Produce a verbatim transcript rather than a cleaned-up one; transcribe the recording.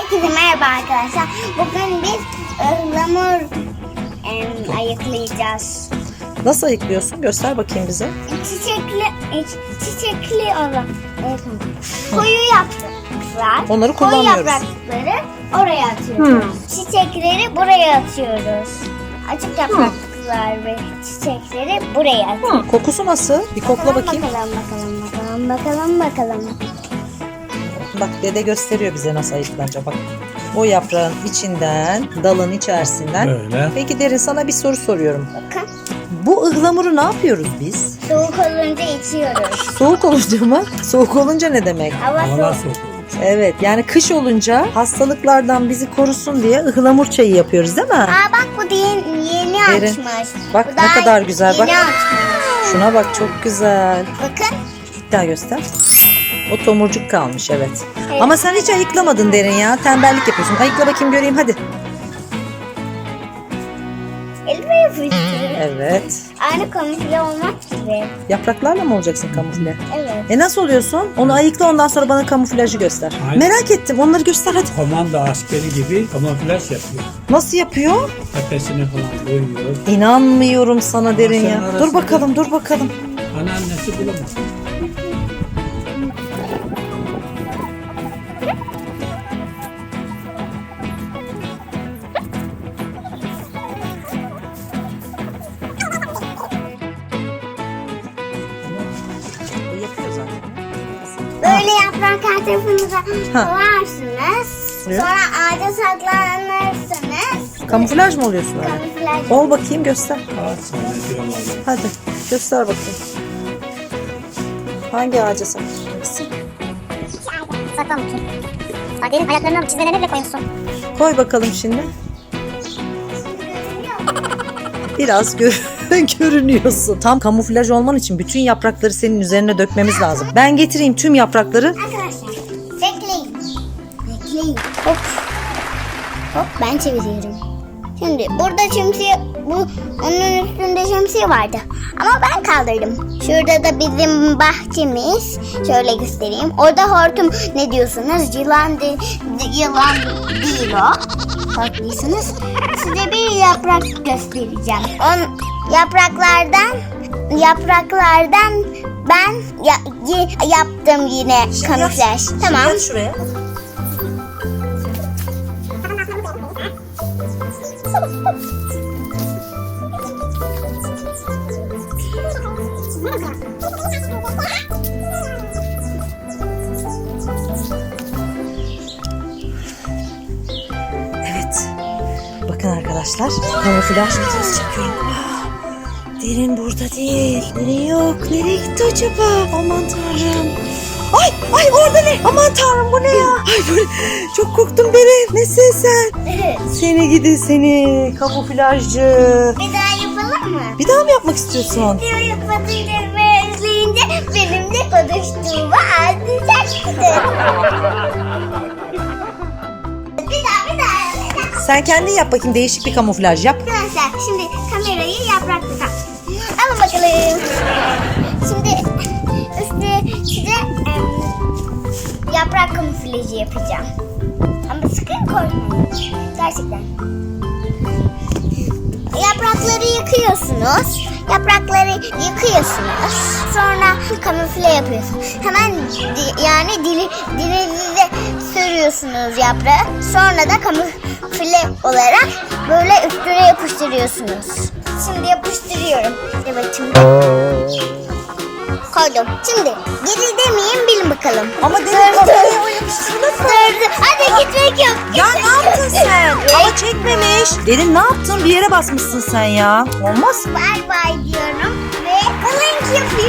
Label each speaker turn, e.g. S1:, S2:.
S1: Herkese merhaba arkadaşlar. Bugün biz ıhlamur em, ayıklayacağız.
S2: Nasıl ayıklıyorsun? Göster bakayım bize.
S1: Çiçekli, çiçekli olan evet, koyu yapraklar.
S2: Onları
S1: Koyu
S2: kullanmıyoruz.
S1: yaprakları oraya atıyoruz. Çiçekleri buraya atıyoruz. Açık yapraklar ve çiçekleri buraya atıyoruz.
S2: Kokusu nasıl? Bir kokla bakayım.
S1: Bakalım bakalım bakalım bakalım bakalım.
S2: Bak dede gösteriyor bize nasıl ayıklanacak. Bak o yaprağın içinden, dalın içerisinden.
S3: Böyle.
S2: Peki Derin, sana bir soru soruyorum.
S1: Bakın.
S2: Bu ıhlamuru ne yapıyoruz biz?
S1: Soğuk olunca içiyoruz.
S2: Soğuk olunca mı? Soğuk olunca ne demek?
S1: Hava
S3: Havalar
S1: soğuk.
S3: soğuk olmuş.
S2: Evet, yani kış olunca hastalıklardan bizi korusun diye ıhlamur çayı yapıyoruz değil mi?
S1: Aa bak bu yeni, yeni
S2: Derin.
S1: açmış.
S2: Bak
S1: Bu
S2: ne
S1: daha
S2: kadar güzel,
S1: yeni
S2: bak.
S1: açmış.
S2: Şuna bak, çok güzel.
S1: Bakın.
S2: Bir daha göster. O tomurcuk kalmış, evet.
S1: Evet.
S2: Ama sen hiç ayıklamadın Derin ya. Tembellik yapıyorsun. Ayıkla bakayım göreyim hadi.
S1: Elime yapıştı.
S2: Evet.
S1: Aynı kamufle olmak gibi.
S2: Yapraklarla mı olacaksın kamufle?
S1: Evet.
S2: E nasıl oluyorsun? Onu ayıkla, ondan sonra bana kamuflajı göster.
S3: Aynen.
S2: Merak ettim. Onları göster hadi.
S3: Komando askeri gibi kamuflaj yapıyor.
S2: Nasıl yapıyor?
S3: Tepesini falan koyuyor.
S2: İnanmıyorum sana Derin ya.
S3: Masanın
S2: Dur
S3: arasında-
S2: bakalım, dur bakalım.
S3: Anneannesi bulamaz.
S2: O yapıyor zaten.
S1: Böyle yaprak her tarafınıza
S2: Ha.
S1: koyarsınız.
S2: Evet.
S1: Sonra ağaca saklanırsınız.
S2: Kamuflaj mı oluyorsun öyle?
S1: Kamuflaj.
S2: Ol bakayım, göster.
S3: Ağaç zannediyorlar.
S2: Hadi göster bakayım. Hangi ağaca saklayacaksın?
S4: Saklamışsın. Derin ayaklarına çizmelerine bile koymuşsun.
S2: Koy bakalım şimdi. Biraz gör görünüyorsun. Tam kamuflaj olman için bütün yaprakları senin üzerine dökmemiz lazım. Ben getireyim tüm yaprakları.
S1: Arkadaşlar bekleyin. Bekleyin. Hop. Hop ben çeviriyorum. Şimdi burada şemsiye, bu onun üstünde şemsiye vardı. Ama ben kaldırdım. Şurada da bizim bahçemiz. Şöyle göstereyim. Orada hortum ne diyorsunuz? Yılan, de, de- yılan değil o. Haklısınız. Size bir yaprak göstereceğim. On yapraklardan yapraklardan ben ya, y- yaptım yine kamuflaj. Tamam.
S2: Gel şuraya. Evet. Bakın arkadaşlar. Kamuflaj videosu çekiyorum. Ah, Derin burada değil. Derin yok. Nereye gitti acaba? Aman tanrım. Ay ay orada ne? Aman tanrım bu ne ya? Ay bu ne? Çok korktum Derin. Nesin sen? Seni gidi seni. Kamuflajcı.
S1: Bir daha yapalım mı?
S2: Bir daha mı yapmak istiyorsun?
S1: Video yapmadığınca ve izleyince benimle konuştuğumu anlayacaksın. Bir daha bir daha. Bir daha.
S2: Sen kendin yap bakayım, değişik bir kamuflaj yap.
S1: Arkadaşlar şimdi kamerayı yaprakla tak. Alın bakalım. Şimdi üstüne size em, yaprak kamuflajı yapacağım. Ama sakın korkmayın. Gerçekten. Yaprakları yıkıyorsunuz. Yaprakları yıkıyorsunuz. Sonra kamufle yapıyorsunuz. Hemen di- yani dili dilinize sürüyorsunuz yaprağı. Sonra da kamufle olarak böyle üstüne yapıştırıyorsunuz. Şimdi yapıştırıyorum. Evet şimdi. Koydum. Şimdi geri demeyeyim bilin bakalım.
S2: Ama Derin
S1: Dur,
S2: kamerayı
S1: dur.
S2: o yapıştırılır mı?
S1: Dur, dur. Hadi gitmek yok.
S2: Ya ne yaptın sen? Ama çekmemiş. Derin ne yaptın? Bir yere basmışsın sen ya. Olmaz.
S1: Bay bay diyorum ve kalınç yapıyorum.